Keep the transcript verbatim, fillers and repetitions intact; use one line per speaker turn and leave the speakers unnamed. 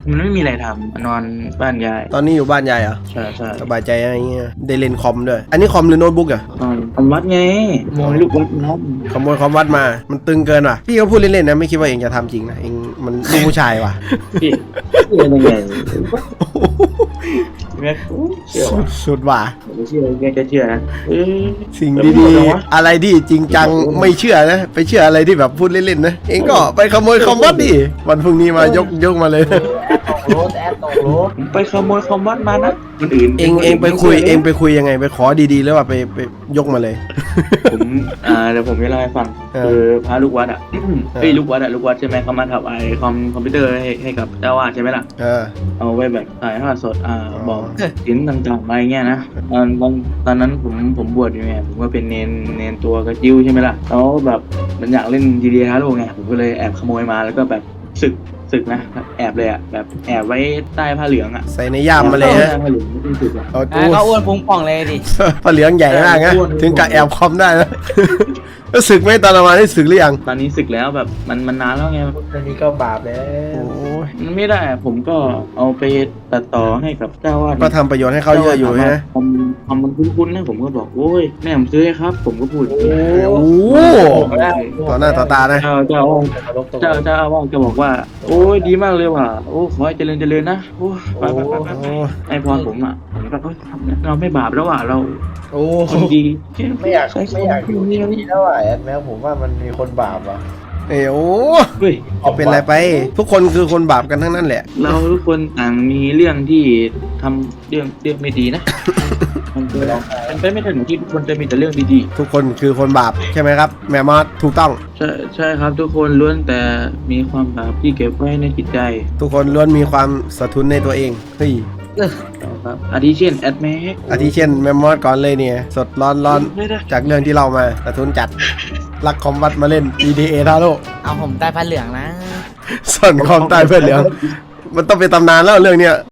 มันไม่มีอะไรทำนอนบ้านยาย
ตอนนี้อยู่บ้านยายเหรอ
ใช่ใช่
สบายใจอะไรเงี้ยได้เล่นคอมด้วยอันนี้คอมหรือโน้ตบุ๊กอะ
นอนทำวัดไงมองลูกวัดน้อง
ขโมยคอมวัดมามันตึงเกินว่ะพี่ก็พูดเล่นๆนะไม่คิดว่าเองจะทำจริงนะเองมันลูกผู้ชายว่ะ
พี่พี่เป็นยังไงแม่เชื่อ
สุ
วะ
ดสุดว่ะ
ไม่เชื่อแกจะเชื่อนะเออ
สิ่งดีๆอะไรที่จริงจังไม่เชื่อนะไปเชื่ออะไรที่แบบพูดเล่นๆนะเองก็ไปขโมยคอมวัดดิวันพรุ่งนี้มายกยกมาเลย
รถแอดตกรถ
ผมไปขโมยคอมวัดมานะคนอื่น
เองเองไปคุยเองไปคุยยังไงไปขอดีๆแล้วว่าไปไปยกมาเลย
ผมอ่าเดี๋ยวผมจะเล่าให้ฟัง
เออ
คือพระลูกวัดอ่ะเฮ้ยลูกวัดอ่ะลูกวัดใช่ไหมเขามาถวายคอมคอมพิวเตอร์ให้ให้กับเจ้าวาดใช่ไหมล่ะ
เออ
เอาไว้แบบถ่ายทอดสดอ่า
อ๋อ
บอกสินต่างๆอะไรเงี้ยนะตอนตอนตอนนั้นผมผมบวชอยู่ไงผมก็เป็นเนนเนนตัวกระจิ้วใช่ไหมล่ะแล้วแบบมันอยากเล่นจีดีฮาร์โลไงผมก็เลยแอบขโมยมาแล้วก็แบบศึกศึกนะแอบเลยอ่ะแบบแอบไว้ใต้ผ้าเหลืองอ่ะ
ใส่ในย่ามมาเลยฮะ
ใต้ผ้าเหลืองไม่ต้องศึกอ่ะ
เอา
อ่ะ
ตู้
ก็อ้วนพุงป่องเลยดิ
ผ้าเหลืองใหญ่มากนะถึงกับแอบคอมได้นะ แล้วศึกไหมตอนประมาณนี้ศึกหรือยัง
ตอนนี้ศึกแล้วแบบมันมันนานแล้วไง
อันนี้ก็บาปแล้ว
โอ้ย
มันไม่ได้อะผมก็เอาไปตัดต่อให้กับเจ้าวาด
ก็ทำประโยชน์ให้เขาเยอะอยู่นะ
ทำทำมันคุ้นๆนะผมก็บอกโอ้ยแม่ผมซื้อให้ครับ ผมก็พูดอย่างนี้
โอ้โหต่อหน้าต่อตานะ
เจ้าเจ้าเจ้าเจ้าอาวาสก็บอกว่า โอ้ยดีมากเลยว่ะโอ้ขอให้เจริญเจริญนะโอ้ยไปไปไปไปไปไอพรผมอ่ะผมก็เอ้ยทำเนี่ยเราไม่บาปแล้วว่ะเรา
โอ้
คนดี
ไม่อยาก
ใช้
ไม่อยากอยู่
นี่
ที่นี่แล้วอ่ะแอดแมวผมว่ามันมีคนบาปอ่ะ
เอ้ยโอ้
เฮ้ย
เป็นไรไป ทุกคนคือคนบาปกันทั้งนั้นแหละ
เราทุกคนต่างมีเรื่องที่ทำเรื่องเรื่องไม่ดีนะ มันเป็นมันเป็นไม่ถึงที่ทุกคนจะมีแต่เรื่องดี
ทุกคนคือคนบาปใช่ไหมครับ แม่มอสถูกต้อง
ๆใช่ใช่ครับทุกคนล้วนแต่มีความบาปที่เก็บไว้ในจิตใจ
ทุกคนล้วนมีความสะทุนในตัวเองเฮ้ย
ครับอาทิเช่นแอดแม็ก
อาทิเช่นแม่มอสก่อนเลยเนี่ย สดร้อนร้อน
ไม่ได้
จากเรื่องที่เรามาสะทุนจัดลักคอมวัดมาเล่น อี ดี เอ ทาโร่
เอาผมใต้ผ้าเหลืองนะ
ส่วนคอมใต้เพื่อนเหลืองมันต้องเป็นตำนานแล้วเรื่องเนี้ย